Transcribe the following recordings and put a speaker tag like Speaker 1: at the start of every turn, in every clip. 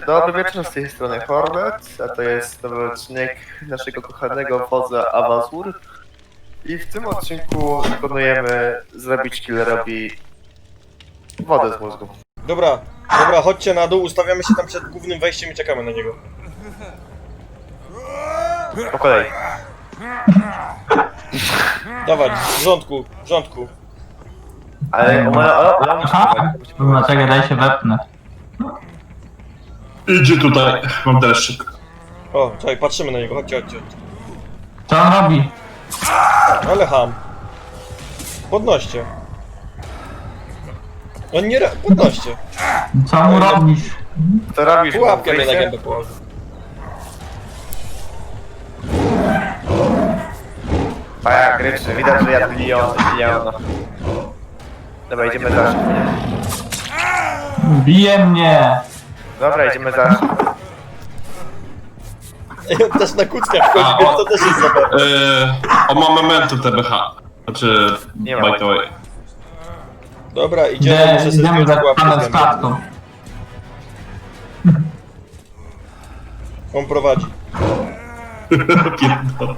Speaker 1: Dobry wieczór, z tej strony Hornet, a to jest nowy odcinek naszego kochanego wodza Avazur. I w tym odcinku planujemy zrobić killerowi wodę z mózgu.
Speaker 2: Dobra, chodźcie na dół, ustawiamy się tam przed głównym wejściem i czekamy na niego.
Speaker 1: Po kolei.
Speaker 2: Dawać, w rządku.
Speaker 1: Ale ona musi
Speaker 3: Kurwa, czekaj, daj się wepnę.
Speaker 4: Idzie tutaj, mam deszczyk.
Speaker 2: O, czekaj, patrzymy na niego, chodźcie.
Speaker 3: Co on robi?
Speaker 2: Ale ham. Podnoście. On nie podnoście.
Speaker 3: Co mu robisz?
Speaker 1: To robisz
Speaker 2: Pułapkę mnie na
Speaker 1: wyjście?
Speaker 2: gębę położył.
Speaker 1: Paja, gryczy, widać, że ja biliona. Dobra, idziemy za szybko.
Speaker 3: Bije mnie!
Speaker 1: Dobra, idziemy za szybko.
Speaker 2: Ej, on też na kuckach wchodzi,
Speaker 4: A,
Speaker 2: więc
Speaker 4: o-
Speaker 2: to też jest zabawne.
Speaker 4: On ma memento TBH. Znaczy,
Speaker 1: Nie ma.
Speaker 4: by the way.
Speaker 2: Dobra, idziemy, muszę sobie
Speaker 3: Idziemy
Speaker 2: zdjąć
Speaker 3: za
Speaker 2: pułapkę
Speaker 3: panem
Speaker 2: z
Speaker 3: z
Speaker 2: gęby.
Speaker 3: klatką.
Speaker 2: On prowadzi.
Speaker 4: Pierdol.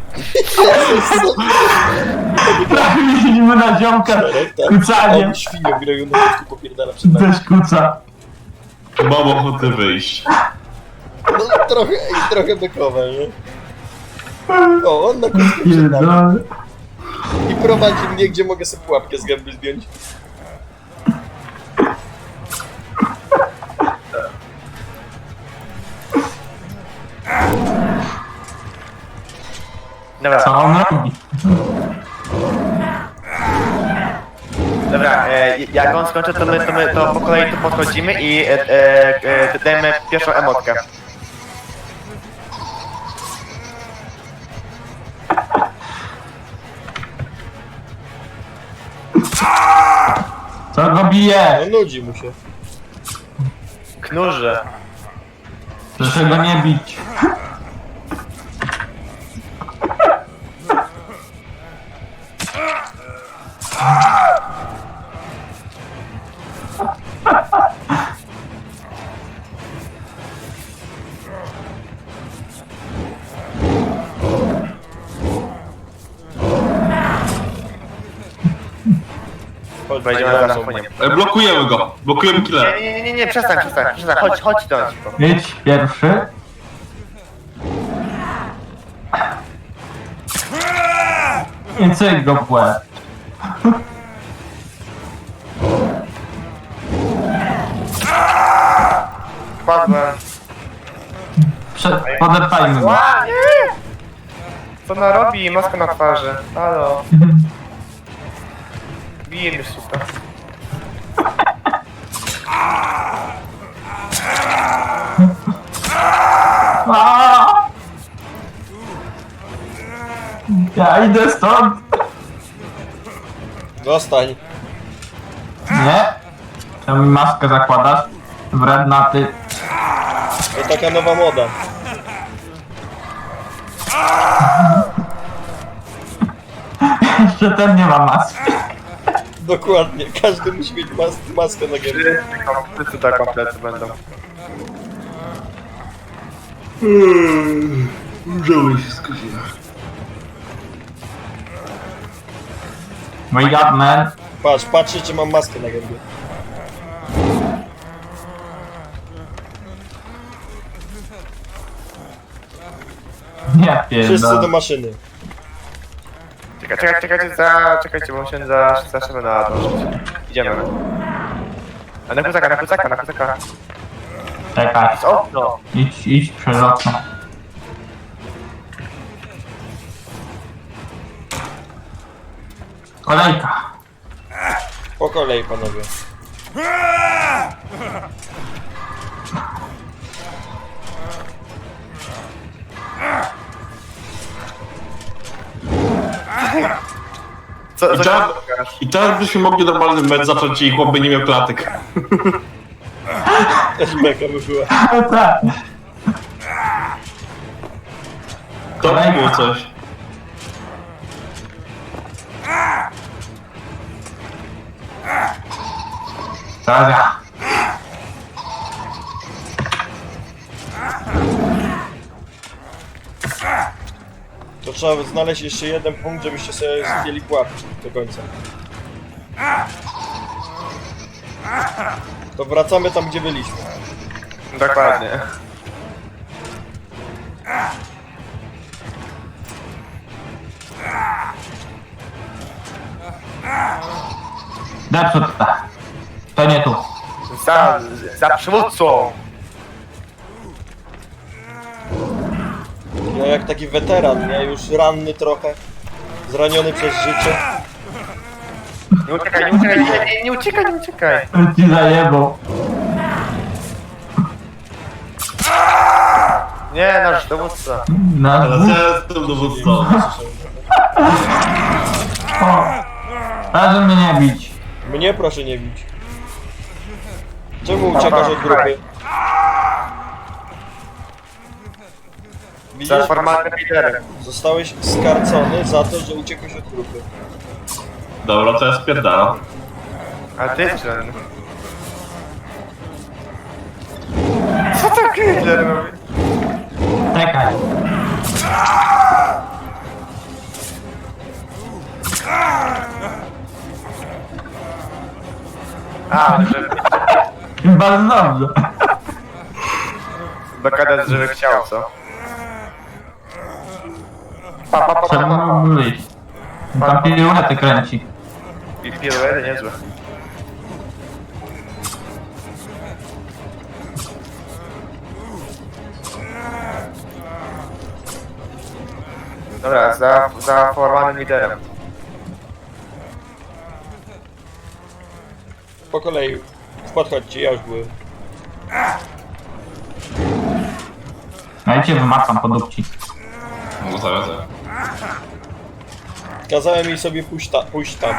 Speaker 3: Widzimy na ziomka kucaniem.
Speaker 2: On świnią grają na kucku, popierdala przed nami.
Speaker 3: Też kuca.
Speaker 4: Mam ochotę wyjść.
Speaker 2: No, trochę bekowe, nie? O, on na kucku przed nami.
Speaker 3: Pierdolę.
Speaker 2: I prowadzi mnie, gdzie mogę sobie pułapkę z gęby zdjąć.
Speaker 1: Dobra,
Speaker 3: Co on robi?
Speaker 1: dobra, jak on skończy, to po kolei tu podchodzimy i dajemy pierwszą emotkę.
Speaker 3: Co go bije?
Speaker 2: No nudzi mu się.
Speaker 1: Knurze.
Speaker 3: Proszę go nie bić.
Speaker 2: Chodź,
Speaker 1: Wejdziemy
Speaker 2: za
Speaker 1: za
Speaker 2: mną.
Speaker 1: szybko.
Speaker 4: Blokujemy go. Blokujemy killera.
Speaker 1: Nie, przestań, chodź do nas szybko.
Speaker 3: Idź pierwszy. I cyk go w łeb.
Speaker 1: Padłem.
Speaker 3: Podeptajmy go.
Speaker 1: Ła, nie! Co ona robi? Maska na twarzy. Halo. Bije mnie suka.
Speaker 3: Aaaa! Ja idę stąd!
Speaker 2: Zostań.
Speaker 3: Nie? Czemu mi maskę zakładasz? Wredna ty.
Speaker 2: To taka nowa moda.
Speaker 3: Jeszcze ten nie ma maski.
Speaker 2: Dokładnie, każdy musi mieć maskę na gębie.
Speaker 1: Wszyscy tak komplety będą.
Speaker 4: Żałuję się skończyła.
Speaker 3: My god man.
Speaker 2: Patrzcie, czy mam maskę na gębie.
Speaker 3: Nie
Speaker 2: Wszyscy do
Speaker 3: pierdolę.
Speaker 2: maszyny.
Speaker 1: Czekajcie, bo się zaszymy na dążyć. Idziemy. A na kucaka.
Speaker 3: Czekaj.
Speaker 1: Z okno.
Speaker 3: Idź przez okno. Kolejka.
Speaker 2: Po kolei, panowie.
Speaker 1: Co
Speaker 4: I teraz, I teraz byśmy mogli normalny mecz zacząć i chłop by nie miał klatek.
Speaker 2: Też beka by była.
Speaker 3: Tak.
Speaker 4: To by było coś.
Speaker 3: Dobra.
Speaker 2: To trzeba znaleźć jeszcze jeden punkt, żebyście sobie zdjęli pułapki do końca. To wracamy tam, gdzie byliśmy.
Speaker 1: Dokładnie.
Speaker 3: Zepsuć. To nie tu.
Speaker 1: Za przywódcą!
Speaker 2: Ja jak taki weteran, nie? Już ranny trochę. Zraniony przez życie.
Speaker 1: Nie uciekaj, nie uciekaj, nie uciekaj, nie uciekaj!
Speaker 3: Ci zajebał.
Speaker 1: Nie, nasz dowódca.
Speaker 3: Na
Speaker 4: Teraz ja jestem dowódcą.
Speaker 3: O. Proszę mnie nie bić.
Speaker 2: Mnie proszę nie bić. Czemu uciekasz od grupy? Widzisz?
Speaker 1: Za formalnym liderem.
Speaker 2: Zostałeś skarcony za to, że uciekłeś od grupy.
Speaker 4: Dobra, to ja spierdalam.
Speaker 1: A ty ten. Co to Hitler robi?
Speaker 3: Czekaj.
Speaker 1: A, żeby...
Speaker 3: Bardzo dobrze.
Speaker 1: Bekadet, żeby chciał, co? Pa, pa, pa, pa,
Speaker 3: Trzeba
Speaker 1: pa, pa.
Speaker 3: było wyjść. Tam piruety kręci.
Speaker 1: I piruety niezłe. Dobra, za formalnym liderem.
Speaker 2: Po kolei. Podchodźcie, ja już byłem.
Speaker 3: No i cię wymacam po dupci.
Speaker 4: No zaraz.
Speaker 2: Kazałem jej sobie pójść tam.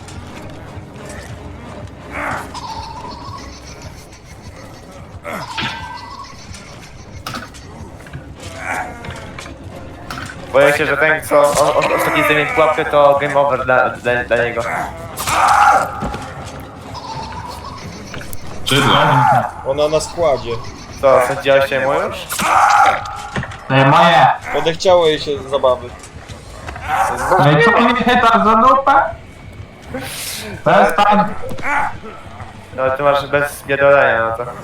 Speaker 1: Boję się, że ten, co ostatni zdejmie pułapkę, to game over dla niego.
Speaker 4: Czydle.
Speaker 2: Ona na składzie.
Speaker 1: Co, sądziłeś się mu już?
Speaker 3: To jest moje.
Speaker 2: Odechciało jej się zabawy.
Speaker 3: No i co mnie chytasz za dupę? Przestań.
Speaker 1: No ty masz bez biadolenia, no to...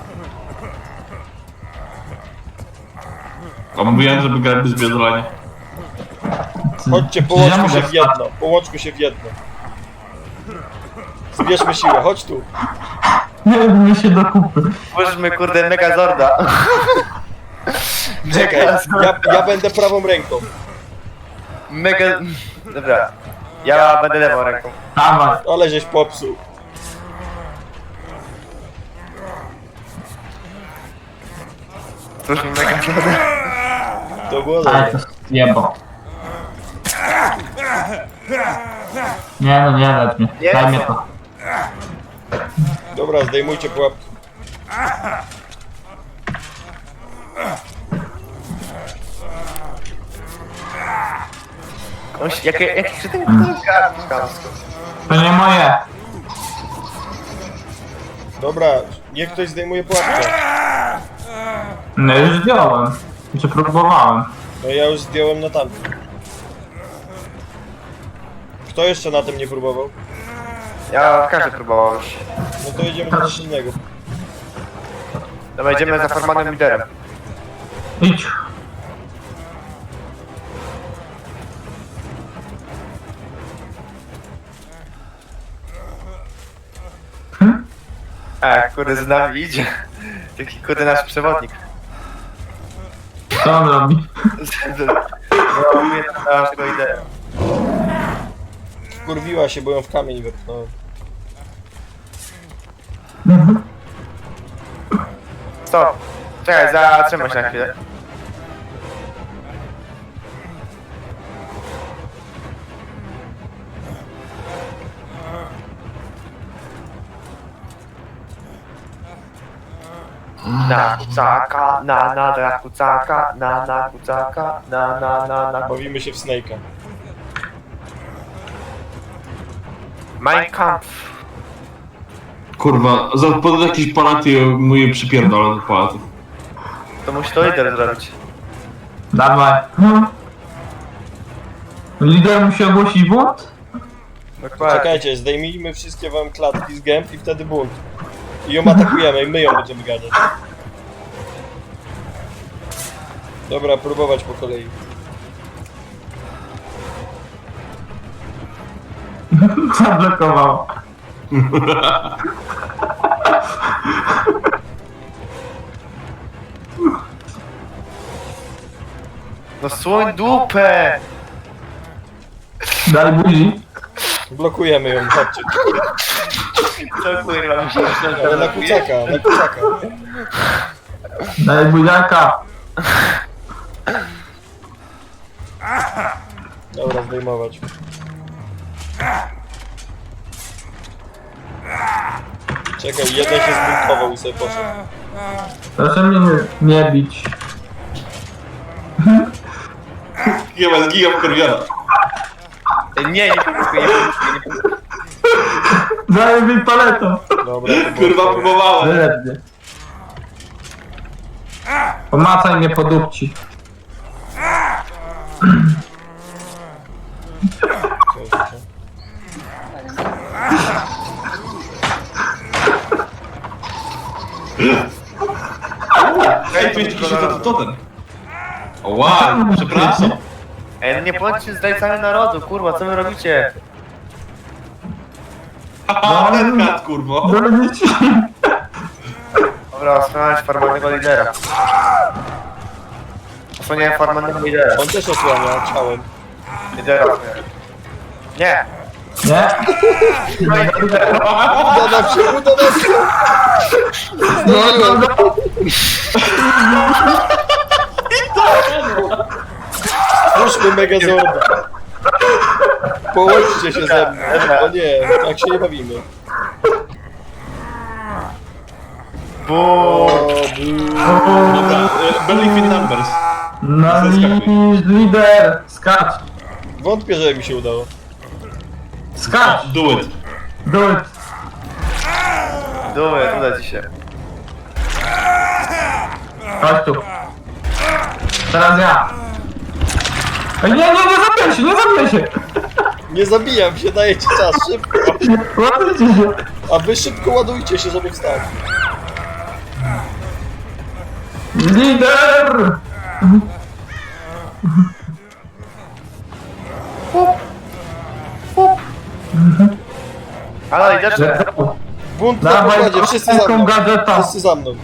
Speaker 4: A mówiłem, żeby grać bez biedolenia.
Speaker 2: Chodźcie,
Speaker 3: Ja
Speaker 2: połączmy
Speaker 3: mogę
Speaker 2: się w jedno. Połączmy się w jedno. Zbierzmy siłę, chodź tu.
Speaker 3: Nie my się do kupy.
Speaker 1: Włóżmy kurde Megazorda.
Speaker 2: Czekaj, ja będę prawą ręką.
Speaker 1: Mega... Dobra. Ja będę lewą ręką.
Speaker 3: Dawaj.
Speaker 2: Ale żeś popsuł.
Speaker 1: Włóżmy Megazorda.
Speaker 2: To było
Speaker 3: Ale
Speaker 2: dobre.
Speaker 3: to jebo. Nie no, nie lecz mnie.
Speaker 1: Nie,
Speaker 3: Daj
Speaker 1: co?
Speaker 3: mnie to.
Speaker 2: Dobra, zdejmujcie pułapki.
Speaker 1: Jaki czy ten gardł?
Speaker 3: To nie moje.
Speaker 2: Dobra, niech ktoś zdejmuje pułapkę.
Speaker 3: No już zdjąłem. Czy próbowałem.
Speaker 2: No ja już zdjąłem na tamtym. Kto jeszcze na tym nie próbował?
Speaker 1: Ja każdy próbował już.
Speaker 2: No to jedziemy do coś innego.
Speaker 1: Dobra, idziemy za formalnym liderem.
Speaker 3: Idź.
Speaker 1: Kurde, z nami idzie. Taki kurde nasz przewodnik.
Speaker 3: Co on robi?
Speaker 1: Zrobię naszego lidera.
Speaker 2: Kurwiła się, bo ją w kamień wepchnąłem.
Speaker 1: Stop. Czekaj, zatrzymaj się na chwilę. Na kucaka, na kucaka, na kucaka, na.
Speaker 2: Bawimy się w Snake'a.
Speaker 1: Mein Kampf.
Speaker 4: Kurwa, podać jakiś palat i mój przypierdolę do palatów.
Speaker 1: To musi to lider zrobić.
Speaker 3: Dawaj. Lider musi ogłosić bunt?
Speaker 1: Dokładnie.
Speaker 2: Czekajcie, zdejmijmy wszystkie wam klatki z gęb i wtedy bunt. I ją atakujemy i my ją będziemy ganiać. Dobra, próbować po kolei.
Speaker 3: Zablokował.
Speaker 1: No słoń dupę!
Speaker 3: Daj buzi.
Speaker 2: Blokujemy ją, chodźcie.
Speaker 1: Co kurwa mi się
Speaker 2: Ale na kucaka, na kucaka.
Speaker 3: Daj buziaka.
Speaker 2: Dobra, zdejmować. Czekaj, jeden się zbuntował i sobie poszedł.
Speaker 3: Proszę mnie nie bić.
Speaker 4: Giga wkurwiona.
Speaker 1: Nie próbuję, nie próbuję.
Speaker 3: Daj mi paletą.
Speaker 2: Dobra, to
Speaker 4: Kurwa,
Speaker 2: było.
Speaker 4: próbowałem.
Speaker 3: Wylednie. Pomacaj mnie po dupci.
Speaker 4: Ej, tu jest jakiś totem. Wow, przepraszam.
Speaker 1: Ej, no nie bądźcie zdrajcami narodu, kurwa, co wy robicie?
Speaker 4: Haha, kat, kurwa.
Speaker 3: Bronić.
Speaker 1: Dobra, osłaniać formalnego lidera. Osłaniałem formalnego lidera.
Speaker 2: On też osłania ciałem.
Speaker 1: Lidera. Nie.
Speaker 3: Nie?
Speaker 1: No i lidera.
Speaker 2: Uda nam się, uda nam się! Zdążyłem! Puszczmy Megazorda! Połączcie się ze mną! O nie, tak się nie bawimy.
Speaker 1: Buu.
Speaker 4: Dobra, Believe in numbers.
Speaker 3: No i lider. Skacz.
Speaker 2: Wątpię, że mi się udało.
Speaker 3: Skacz.
Speaker 4: Do it.
Speaker 3: Do it.
Speaker 1: Dumy, uda ci się.
Speaker 3: Chodź tu. Teraz ja. Ej, nie zabijaj się, nie zabijaj się.
Speaker 2: Nie zabijam się, dajecie czas, szybko!
Speaker 3: Ładujcie się.
Speaker 2: A wy szybko ładujcie się, żeby wstać.
Speaker 3: Lider.
Speaker 1: Ale liderze.
Speaker 2: Bunt na
Speaker 3: Dawaj,
Speaker 2: pokładzie, wszyscy za
Speaker 3: taką
Speaker 2: mną!
Speaker 3: gadżetą.
Speaker 2: Wszyscy za mną!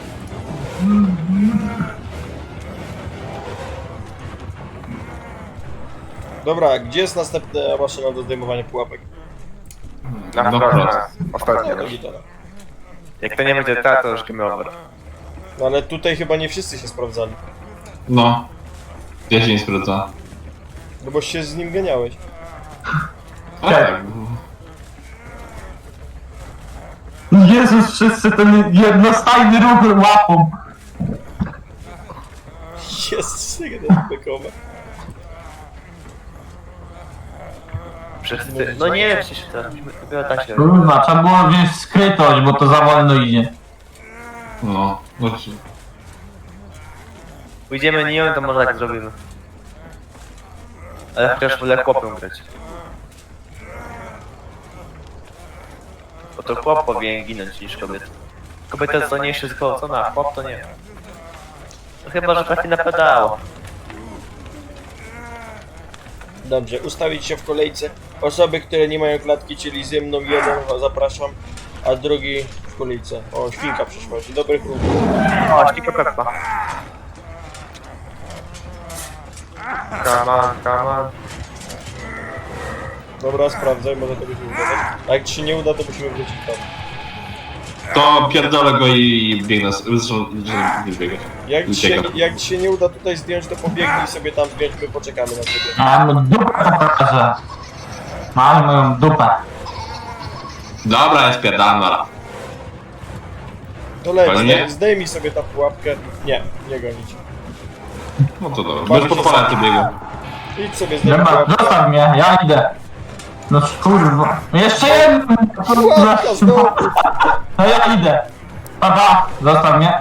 Speaker 2: Dobra, gdzie jest następna maszyna do zdejmowania pułapek?
Speaker 1: Na
Speaker 4: No
Speaker 1: wprost.
Speaker 4: prost.
Speaker 1: Ostatnio.
Speaker 2: No, gitara.
Speaker 1: Jak to nie będzie ta, to już game over.
Speaker 2: No ale tutaj chyba nie wszyscy się sprawdzali.
Speaker 4: No. Ja się nie sprawdza.
Speaker 2: No bo się z nim ganiałeś.
Speaker 4: Tak.
Speaker 3: Jezus, wszyscy ten jednostajny ruch łapą.
Speaker 2: Jest sygnał bekowe.
Speaker 1: Wszyscy. No nie, przecież to dopiero tak się.
Speaker 3: Kurwa, trzeba było wziąć skrytość, bo to za wolno idzie.
Speaker 4: No. Właśnie.
Speaker 1: Pójdziemy nią, to może tak zrobimy. Ale chociaż wolę chłopem grać. Bo to chłop powinien ginąć niż kobieta. Kobieta jest zdolniejsza zgwałcona, a chłop to nie. No chyba, że trafi na pedało.
Speaker 2: Dobrze, ustawić się w kolejce. Osoby, które nie mają klatki, czyli ze mną jeden, zapraszam, a drugi w kolejce. O, świnka przyszła. Dzień dobry, klub.
Speaker 1: O, śnika Peppa. Come on.
Speaker 2: Dobra, sprawdzaj, może to by się udać. A jak ci się nie uda, to musimy wrócić tam.
Speaker 4: To pierdolę go i biegnę. Zresztą, nie biegać.
Speaker 2: Jak ci się nie uda tutaj zdjąć, to pobiegnij sobie tam zdjąć, my poczekamy na ciebie.
Speaker 3: Mam dupę pokażę. Mam moją dupę.
Speaker 4: Dobra, ja spierdalam na.
Speaker 2: To leć,
Speaker 4: Fajnie.
Speaker 2: zdejmij sobie ta pułapkę. Nie gonić.
Speaker 4: No to dobra. Bez podpalenia to biegam.
Speaker 2: Idź sobie zdejmij
Speaker 3: Dobra,
Speaker 2: pułapkę.
Speaker 3: zostaw mnie, ja idę. No kurwa. Jeszcze jeden!
Speaker 2: Pułapka znowu!
Speaker 3: No ja idę. Papa, zostaw mnie.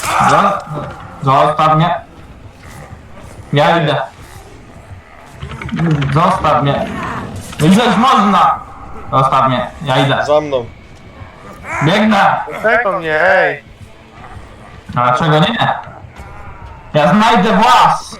Speaker 3: Zostaw mnie. Ja idę. Zostaw mnie. Idziesz, można! Zostaw mnie, ja idę.
Speaker 2: Za mną.
Speaker 3: Biegnę!
Speaker 1: Czego mnie, ej!
Speaker 3: A dlaczego nie? Ja znajdę was!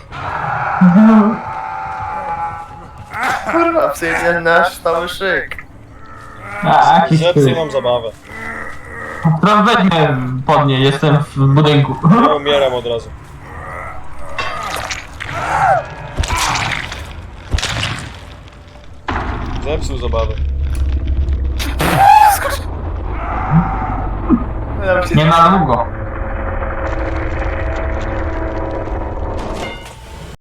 Speaker 1: Kurwa, przyjdzie nasz stały szyk.
Speaker 3: A, jakiś
Speaker 2: Zepsuj
Speaker 3: ty.
Speaker 2: nam zabawę.
Speaker 3: Teraz weź mnie pod nie, jestem w budynku.
Speaker 2: Ja umieram od razu. Zepsuł zabawę.
Speaker 1: Ja bym się
Speaker 3: Nie na długo.